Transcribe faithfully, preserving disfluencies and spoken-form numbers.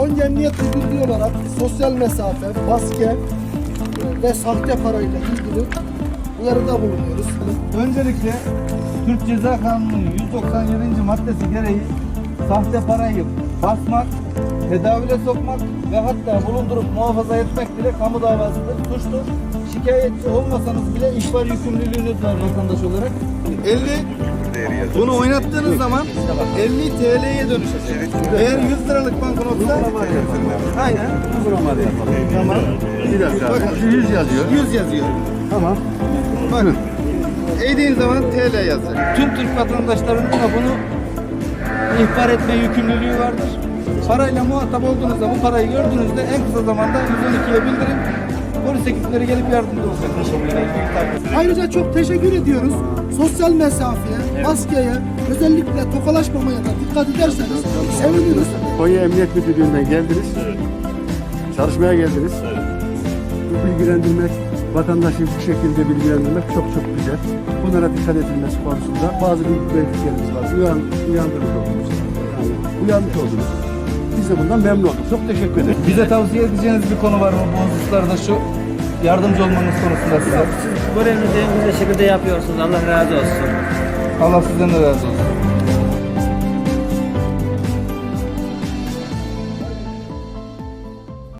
Konya Emniyet Müdürlüğü olarak sosyal mesafe, maske ve sahte parayla ilgili uyarıda bulunuyoruz. Öncelikle Türk Ceza Kanunu'nun yüz doksan yedinci maddesi gereği sahte parayı basmak, tedavüle sokmak ve hatta bulundurup muhafaza etmek bile kamu davasıdır, suçtur. Şikayetçi olmasanız bile ihbar yükümlülüğünüz var vatandaş olarak. elli bunu oynattığınız zaman elli T L'ye dönüşecek. Eğer yüz liralık banknotsa aynen. Uygulamalı yapalım. Tamam. Bir dakika. Bakın. yüz yazıyor. yüz yazıyor. Tamam. Bakın. Eğdiğin zaman T L yazar. Tüm Türk vatandaşlarının da bunu ihbar etme yükümlülüğü vardır. Parayla muhatap olduğunuzda, bu parayı gördüğünüzde en kısa zamanda yüz on ikiye bildirin. Polis ekipleri gelip yardımcı olacak. Ayrıca çok teşekkür ediyoruz. Sosyal mesafeye, maskeye, özellikle tokalaşmamaya da dikkat ederseniz seviniriz. Konya Emniyet Müdürlüğü'nden geldiniz. Çalışmaya geldiniz. Bu bilgilendirmek, vatandaşı bu şekilde bilgilendirmek çok çok güzel. Bunlara dikkat edilmesi konusunda bazı bilgilerimiz var. Uyan, uyandırmış oldunuz. Yani uyanmış oldunuz. Biz de bundan memnun olduk. Çok teşekkür ederim. Bize tavsiye edeceğiniz bir konu var mı bu hususlarda, şu yardımcı olmanız konusunda size? Siz görevinizi en güzel şekilde yapıyorsunuz. Allah razı olsun. Allah sizden de razı olsun.